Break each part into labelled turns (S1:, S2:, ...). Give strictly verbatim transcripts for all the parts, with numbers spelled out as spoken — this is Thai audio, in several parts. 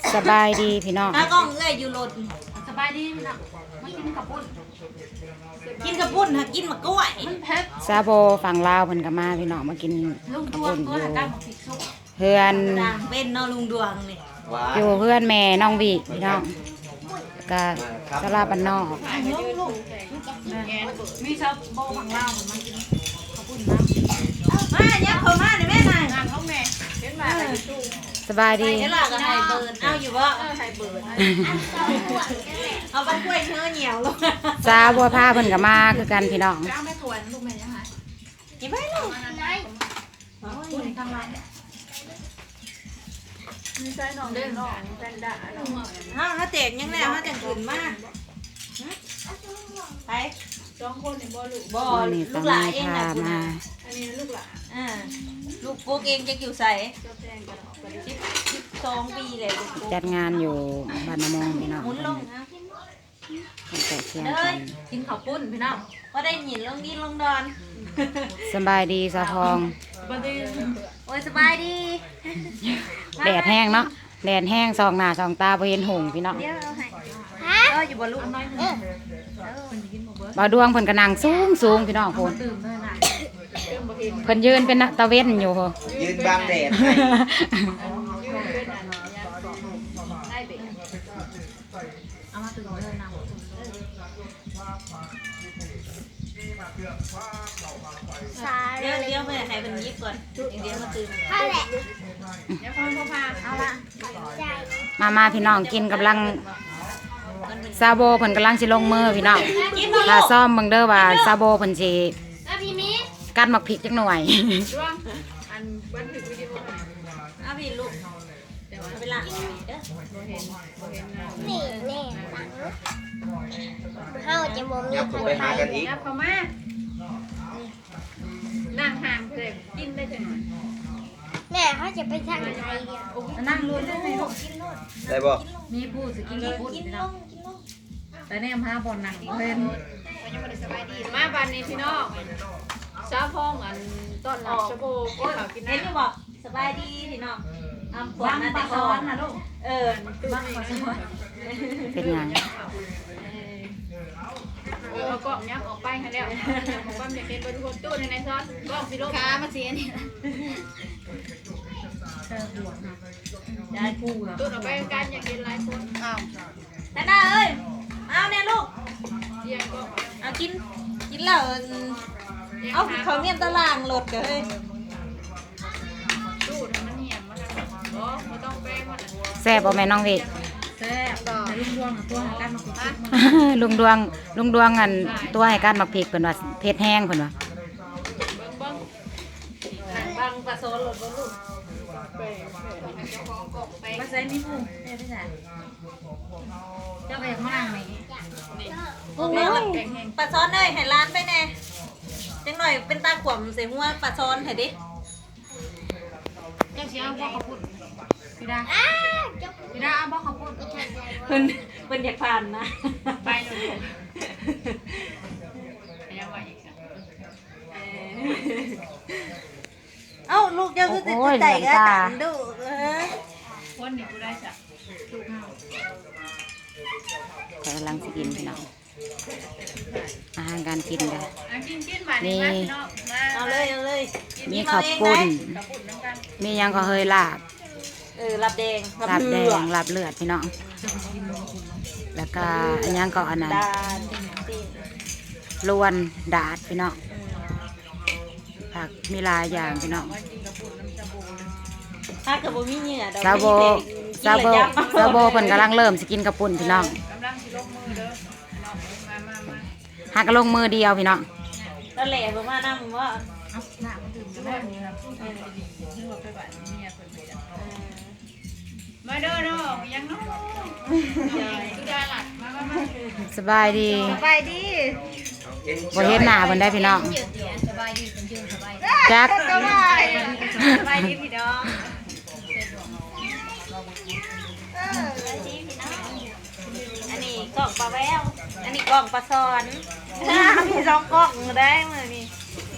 S1: สบายดีพี่น้อง
S2: ถ้ากล้องเอ้ยอยู่รถ
S3: สบายดีพี่น้องมากินกับปุ้น
S2: กินกระปุ้นฮะกินมะกล้วย
S3: มันเผ็ด
S1: ซาโบฝั่งลาวเพิ่นก็มาพี่น้องมากิน
S3: ลุง
S1: กระ
S3: ตัว
S1: ปุ่นอ
S3: ตัว
S1: ยู่
S3: หาการมาผิดซุป
S1: เพื่อน
S2: ต่างเป็นเนาะลุงดวงนี่
S1: อยู่เพื่อนแม่น้องวิพี่น้องก็สลาบันนอก
S3: มีชาวโบฝั่งลาวเหมือนมันกินกับปุ้นน้ำ
S2: มาเนี่ยเขามาเนี่ยแม่นาย
S3: นางเขาแม่เห็นไหม
S1: สบายดี
S2: เดี๋ยวหลักไฮเบิร์นเอาอยู่บ่
S3: ไทยเบิร์ด
S2: เอาบันกล้วยเนื้อเหนียวลง
S1: ซาบัวผ้าเพิ่นก็มาคือกันพี่น้อง
S3: จ้างแม่ถวนลูกแม่ยังไง
S2: กินไปลูก
S3: ปุ้นข้างล่างมีใจน้องเล่นน้องแฟนด่าน้อง
S2: เอาถ้าเตะยังไงถ้าจะขึ้นมาไป
S3: สองคนเนี่ยบ่ลูก
S2: บ่
S1: วันนี้
S2: ลู
S1: ต้อง
S2: กหลา
S1: มี
S2: เอง
S1: พา
S2: นะคุณ
S1: มา
S3: อันนี้ลูกหลาน
S2: อ่าลูกปุ๊กเองจะอยู่ใส่
S3: เจ้าแจ้งกันออกไป
S2: สิบสิบสองปีเลยลูกปุ๊ก
S1: จัดงานอยู่บ้านนามงพี่น้อง
S2: หมุนลงนะ
S1: ตั้งแต่เที่ยง
S2: เด้
S1: กั
S2: ย
S1: น
S3: กินข้าวปุ้นพี่น้อง
S2: ว่าได้หยินลงดินลงดอน
S1: สบายดีสาวทอง
S3: บัดนี้
S2: โอ้ยสบายดี
S1: แดดแห้งเนาะแดดแห้งสองหน้าสองตาบ่เห็นหงพี่น้อง
S2: เดี๋ยวเอาให้เอออยู่บนลูก
S3: น้อยหนึ่งคนกินหมดเบิร์ด
S1: บ่าวดวงเพิ่นก็นั่งสูงสูงพี่น้องพุ่น
S3: ตื่นเลยนะตื่นบ่เห็น
S1: เพิ่นยืนเป็นตะเว้นอยู่
S4: ยืนบังแดดให้
S3: ยืนเป็นอันยาสองได้เบรเอามาตื่นเลยนะ
S2: เดี๋ยวเดี๋ยวไปให้เป็นยิบก่อนเดี๋ยวมาตื่น
S3: เดี๋ยวพ่อพ่อพาเอาละ
S1: มามาพี่น้องกินกำลังซาโบเพิ่นกำลังสิลงมือพี่น้อง
S2: กินบ่
S1: ถ้า
S2: ลูก
S1: ซ่อมเบิ่งเด้อว่าซาโบเพิ่นสิ
S3: แล้วพี่มี
S1: กัดหมักพริกจักหน่อย
S3: ร่วงอันบันทึกวิดีโอ
S2: เอาพี่ลูกเอาไปล้างเด้อ
S5: นี่แน่ตังเฮาจะบ่มี
S4: ยับผมไปหากันอีก
S3: ยับเข้ามานั่งห่างเด็กกินได้จังหน่อย
S5: แม่เขาจะไปทางไหนเดียว
S3: นั่งรู้ได้ไหมลูก
S4: ได้บ่
S3: มีผู้สกินกับผู้
S2: กิน
S3: พี่
S2: ล
S3: น้อง
S2: งกินลง
S3: แต่เนี่ยมาบอลหนังเพิ่นมาบ้านนี้พี่น้องชาวพ้องอันต้อนรับชาวโบกินข้าวกิน
S2: เห็นอยู่
S3: น้ำ
S2: บ่สบายดีพี่น้องอำปวด
S3: บ้าง
S2: นะ
S3: ป
S2: แต่
S3: ลา
S2: ก่
S3: ซ้
S2: อ
S3: อน นนะลูก
S2: เออ
S3: บ้างปลาซ้อน
S1: เป็นหยัง
S3: เออเอากล่องยักออกไปให้แล้วผมว่าจะเป็นบริโภคตู้ในในซอสกล่องพี่ลูกค้ามาเสียนี่ได้ผู้ตู้ออกไปกันอยากกินหลายคนอ้าว
S2: แต่น่าเอ้ยเอาเนี่ยลูก
S3: เยี่ยมก็
S2: เอากินกินแล้วเอาเขาเมียนตารางรถกันเฮ้ย
S3: ตู้ทำมันเหี่ยมมันอ๋อไม่ต้องแป้งมัน
S1: แซ่บบ่แม่น้องวิ
S3: แซ่บต่อลุงดวงตัวกันมาคุย
S1: ลุงดวงลุงดวงอันตัวให้กัดหมักพริกเพิ่นว่าเผ็ดแห้งเพิ่นว่า
S3: เบิ้งเบิ้ง
S2: บางปลาโซนรถบ่ลูก
S3: มาใส่นี่ผู้เอ้ยพี่สาวเจ้าไปข้างล่างไหน
S2: กุ้งเนาะปลาซ้อนเลยให้ร้านไปแน่จังหน่อยเป็นตาขวมใส่หัวปลาซ้อนให้ดิ
S3: เจ้าเสียบอกเขาพูดพี่ดาพี่ดาบอกเขาพูด
S2: เพิ่นเพิ่นอยากผ่านนะ
S3: ไปเลยยังไหวอีกสัก
S2: เอ้าลูกเจ้าคือติดใจก็ตามดูเออ
S3: คนนี้กูได้จ้ะถูกห้า
S1: กำลังสิกินพี่น้องอาหารการกินเด้อ
S3: อ่ะกินกินมาดีมากพี่น้องมา
S2: เอาเลยเอาเลย
S1: มีข้าวปุ้น
S3: กระปุกน้ำกัน
S1: มีหยังก็เฮยลาบ
S2: เออรับแดง
S1: ลาบแด
S2: เลื
S1: งลาบเลือดพี่น้องแล้วก็อันหยังก็อันนั้น
S2: ดานตีน
S1: ล้วนดาดพี่น้องผักมีหลายอย่างพี่น้อง
S2: ถ้าเกิดบ่มีเหงื่อดอก
S1: ซาโบซาโบซาโบเพิ่นกำลังเริ่มสิกินกระปุ่นพี่น้อง
S3: กำลังสิลงมือเด้อน้องมามามา
S1: หากระลงมือเดียวพี่น้อง
S2: แล้วแหล่บ่มานํว่า
S3: เอาหน้ามันถึงจะได้นี่นะเออดีๆนึกว่าไปบ้านเมียเพิ่นไปจ้ะมาเด้อน้องยังน้องสุดาหลัดมามามา
S1: สบายดี
S2: สบายดี
S1: บ่เห็นหน้าเพิ่นได้พี่น้องจัก
S2: สบายสบายดีพี่น้องเออสบายดีพี่น้องอันนี้กล่องปลาแววอันนี้กล่องปลาซอนมีสองกล่องได้มื้อนี้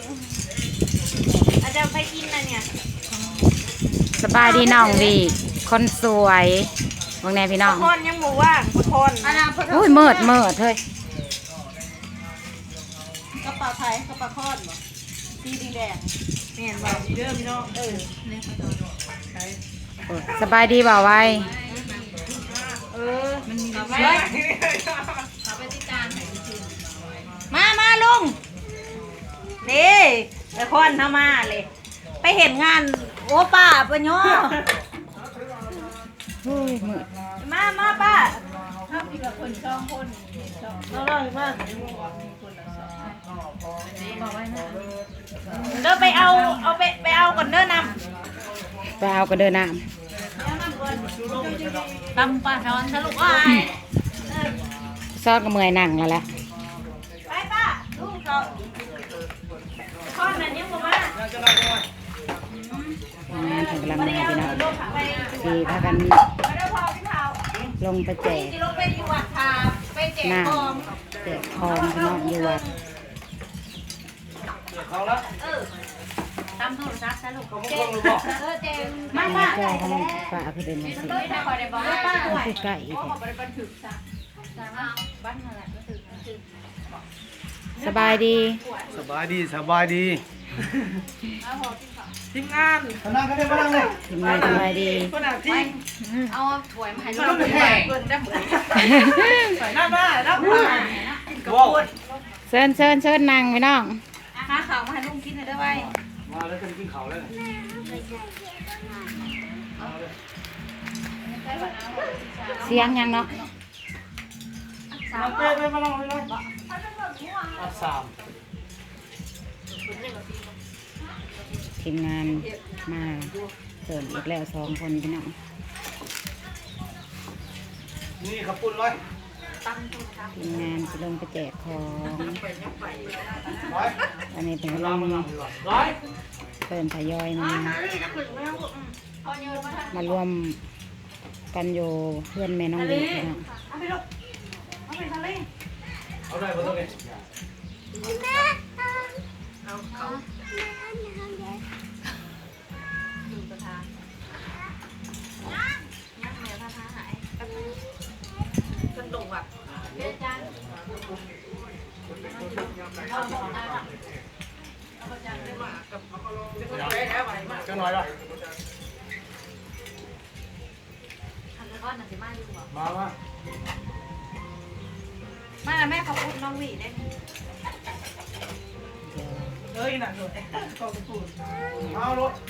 S2: อาจจะไปกินนะเนี่ย
S1: สบายดีน้องวีคนสวยบางแน่พี่น้อง
S2: คนยังหมู่ว่างคน
S1: โอ้ยเมิดเมิดเฮ้ย
S2: กระเป๋าไทยกระเป๋าคอนบ่สีแดงเมียนบ่ดีเด้อพี่น้องเออ
S1: สบายดีบ่าวไว้
S2: เออมันมีเอาไว้มามาลุงนี่ไอ้คอนทำมาเลยไปเห็นงานโอ้ป้าปะโย
S1: โอ้ยมืด
S2: มามาป้า
S3: ถ้ามีแบบคนช่องคนช่อง
S2: เราเลยมา
S3: บอกไว้นะ
S2: เดินไปเอาเอาไปไปเอาก่อนเด้อน
S1: ไปเอากระเดินน้
S2: ำตำปลาช้อนสรุปว่า
S1: ำซอดก็เมื่อยนั่งแล้วแหละ
S2: ไปป้าลูกเขาข้อนั้นยังบอกว่า
S1: งานถึงกำลังมาพี่น้อง
S2: ลูกเขาไป
S1: สีพากัน
S2: ไม่ได้พอพี่เผา
S1: ลงไปแจก
S2: ที่ลูกไปอยู่วัดทาไปแจก
S1: น้
S2: ของ
S1: ำแจกทองพี่น้องอยู่วัด
S2: เออตำโทรศัพท์สรุปเจงเออเจง
S1: มา
S2: มาป้า
S1: เจ้าของฝ่าคือเป็นยังสิ
S2: ไม่ได้คอยได้บอกว่าป้า
S1: มันคือไก่อีก
S3: บอกไปบันทึกซะบ้านนั่นแหละก็คือ
S1: สบายดี
S6: สบายดีสบายดี
S2: ทีมงาน
S6: มานั่งกันเลยมานั่งเลย
S1: ทีมงานสบายดี
S2: คนอ่ะที่
S3: เอาถ้วยมาให้ลู
S2: เรา
S3: ก
S2: เป็น
S3: แข
S2: แข
S3: ก
S2: กเกินได้เหมือนใส่หน้าหน้าหน้าหน้า
S6: ว้าว
S1: เชิญเชิญเชิญนั่งพี่น้อง
S2: หาข่าวมาให้ลุงกินเลยได้ไหม
S6: มาแล้วกันกินข้าวแล้ว
S1: เสียงยังเนาะ
S6: มาเต้ไปมานั่งเลยมาสาม
S1: ทีมงานมาเสริมอีกแล้วสองคนพี่น้อง
S6: นี่ขับปุ่นเลย
S1: ทีมงานจะลงไปแจกของ
S6: ร้อย
S1: อันนี้เป็นกำลัง
S6: ร้อย
S1: เริ่มทยอยมา มารวมกันอยู่เพื่อนแม่น้องเด็กพี่น้อง
S2: เอาไปลูกเอาไปทะเล
S6: เอาได้บ่ต้องเลย
S5: แม่เอา
S2: เอาเขา คนดุอ่ะ
S6: จะหน่อยละมามา
S2: มาแม่เขาพูดน้องหวีได้
S1: เดี๋ยว
S2: เฮ้ยหนักเลยกองปูน
S6: เอารถ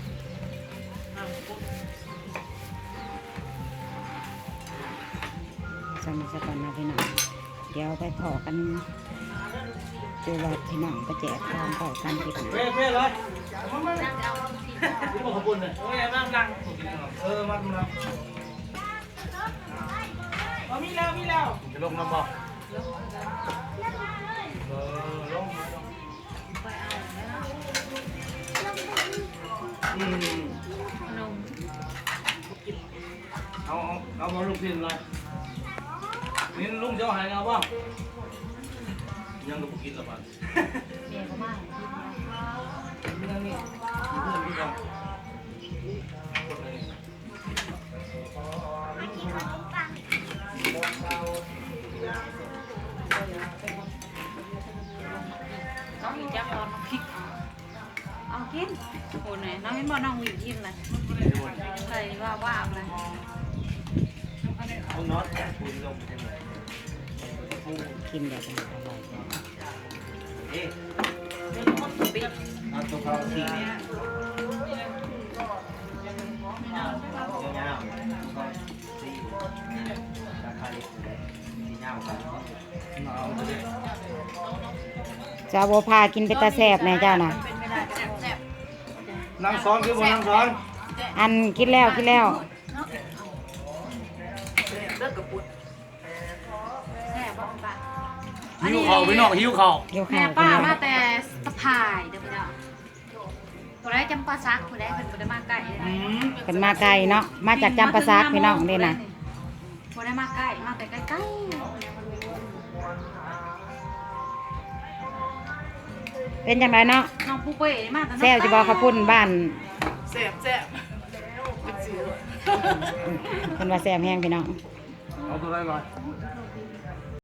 S1: สมัยสักวันนะพี่น้องเดี๋ยวไปขอกันจูวัดพี่น้องไปแจกของขอกันติด
S6: เพ่เพ่เลยมามานี่บอกขับปุ่นเลย
S2: โอ้ยนั่งนั่ง
S6: เออมาดูนะ
S2: เอามีแล้วมีแล้ว
S6: จะลงน้ำบ่เออลงอืมเอาเอาเอามาลูกพินเลยนี่ลุงเจ้าหายเอาบ้างยังก็กินละบ้างเมียก็ไม่นี่นี่เพื่อนพี่ก่อน
S2: น้องหวีจับตอนน้องพริกเอากินโอ้ไหนน้องเห็นบ่น้องหวีกินเลยใส่ว่าว่าเลย
S6: เอาน็อตคุณลง
S1: กินแบบนี้อร่อย
S6: เอ๊ะ
S2: ปิด
S6: เอาตัวเขาทีเนี่ยยาวสี่ราคาดียาวกันเอาเลย
S1: เจ้าโบพากินไปตาแสบแน่เจ้าน่ะ
S2: เป็นไม่ได้แซ่บแซ่บ
S6: นั่งซ้อนคือบนนั่งซ้อน
S1: อันกินแล้วกินแล้ว
S2: เลิกกับปุ้นแซ่บบ้างปะ
S6: หิวเข่าพี่น้องหิวเข่า
S1: เกี่ยว
S3: แม่
S1: ข้าว
S3: ป้า
S1: กิน
S3: มา
S1: แล้ว
S3: แต่สะพายเดี๋ยวไปเนาะผู้ใดจำปาซักผู้ใดเพิ่นบ่ได้มาใกล้เลย
S6: อืม
S1: เป็นมาไกลเนาะมาจากจำปาซักพี่น้องนี่นะ
S3: บ่ได้มาใกล้มาแต่ใกล้
S1: เป็นจังไรเนาะ
S3: ๆน้องปูเป้มาแต่
S1: แซวจะบอกเขาพุ่นบ้าน
S2: แซ่บแซ่บ
S1: คนว่าแซ่บแห้งพี่น้อง
S6: เอาตัวไรก่อน